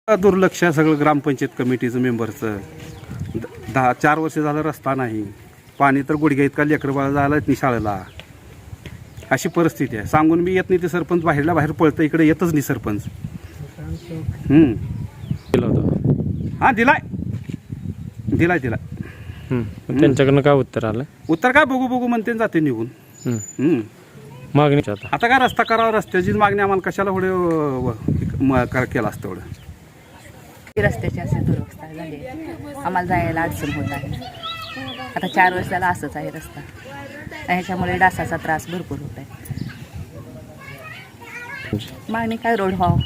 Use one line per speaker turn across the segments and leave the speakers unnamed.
दुर्लक्ष आहे सगळं ग्रामपंचायत कमिटीचं मेंबरचं. 4 वर्ष झालं रस्ता नाही, पाणी तर गुडघ्या इतका लेकरं बाळा झालं नाही शाळेला. अशी परिस्थिती आहे. सांगून मी येत नाही ते सरपंच बाहेरला बाहेर पळतं, इकडे येतच नाही सरपंच.
दिला होता.
हां दिलाय.
त्यांच्याकडनं काय उत्तर आलं?
उत्तर काय बघू म्हणते जाते निघून.
मागणी
आता काय रस्ता करावा, रस्त्याचीच मागणी आम्हाला कशाला एवढं केलं असतं एवढं.
रस्त्याची असे दुरवस्था झाली, आम्हाला जायला अडचण होत आहे. आता 4 वर्षाला असंच आहे रस्ता, ह्याच्यामुळे डासाचा त्रास भरपूर होत आहे. मागणी काय रोड व्हावं.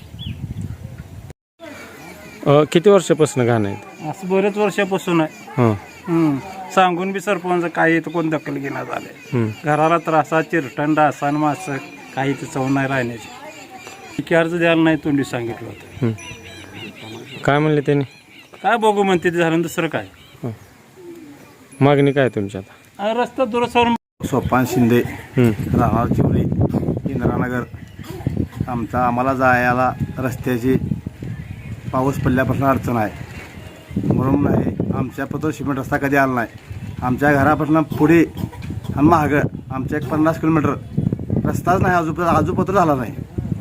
किती वर्षापासून घाण आहेत?
असं बरेच वर्षापासून आहे. सांगून बी सरपंच काही तर कोण दखल घेण्यात आले. घराला त्रासा चिरटण डासान मास काही तर चव नाही राहण्याची. अर्ज द्यायला नाही तोंडी सांगितलं होतं.
काय म्हणले त्यांनी?
काय बघू म्हणते ते झालं, दुसरं काय.
मागणी काय तुमच्या आता?
रस्ता दुरुस्त.
सोपान शिंदे, राहणार चिवरी, इंदिरानगर. आम्हाला जायला रस्त्याची पाऊस पडल्यापासून अडचण आहे. म्हणून नाही आमच्या पत्र सिमेंट रस्ता कधी आला नाही. आमच्या घरापासून पुढे आणि मागं आमच्या 50 किलोमीटर रस्ताच नाही, आजूपत्र झाला नाही.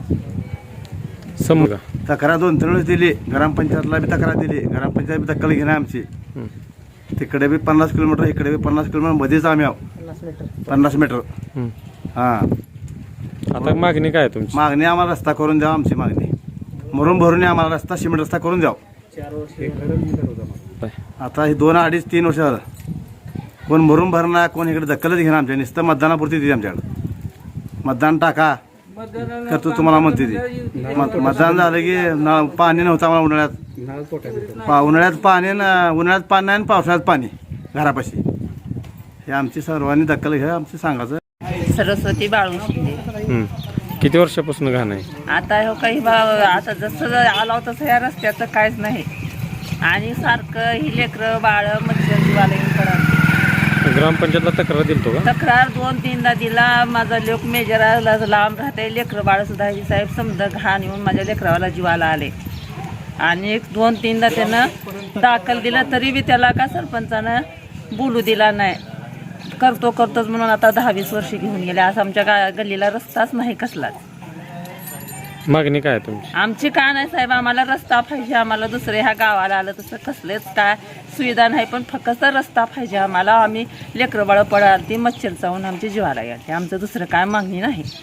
समजा
तक्रार 2-3 वेळेस दिली, ग्रामपंचायतला बी तक्रार दिली. ग्रामपंचायत बी दखल घेणार आमची. तिकडे बी 50 किलोमीटर, इकडे बी 50 किलोमीटर मध्येच आम्ही आहो. 50 मीटर. हां,
आता मागणी काय तुमची?
मागणी आम्हाला रस्ता करून द्यावा. आमची मागणी मरून भरून आम्हाला रस्ता सिमेंट रस्ता करून द्यावा. आता हे 2-2.5-3 वर्ष झालं कोण मरून भरणार, कोण इकडे दखलच घेणार. आमच्या नुसतं मतदानापुरती दिली. आमच्याकडं मतदान टाका करतो तुम्हाला म्हणते ती. मतदान झालं की पाणी नव्हतं आम्हाला उन्हाळ्यात पाणी नाही आणि पावसाळ्यात पाणी घरापाशी. हे आमची सर्वांनी दखल घ्या. आमचं सांगायचं.
सरस्वती बाळू शिंदे.
किती वर्षापासून घाण आहे?
आता हो काही आता जसं आला तसं या रस्त्याचं काहीच नाही. आणि सारखं ही लेकरं बाळ मच्छर जीवाला येऊन पडत.
ग्रामपंचायतला तक्रार दिलतो का?
तक्रार 2-3दा दिला. माझा लोक मेजराला लांब राहते. लेकरं बाळ सुद्धा साहेब समजा घाण येऊन माझ्या लेकरावाला जीवाला आले. आणि 2-3दा त्यानं दाखल दिला तरी बी त्याला का सरपंचानं बोलू दिला नाही. करतोच म्हणून आता 10-20 वर्ष घेऊन गेले. आज आमच्या गल्लीला रस्ताच नाही कसलाच.
मागणी काय तुमची?
आमची काय नाही साहेब, आम्हाला रस्ता पाहिजे. आम्हाला दुसरे ह्या गावाला आलं तसं कसलेच काय सुविधा नाही, पण फक्त रस्ता पाहिजे आम्हाला. आम्ही लेकरं बाळ पडाल ती मच्छर चावून आमची जीवाला येते. आमचं दुसरं काय मागणी नाही.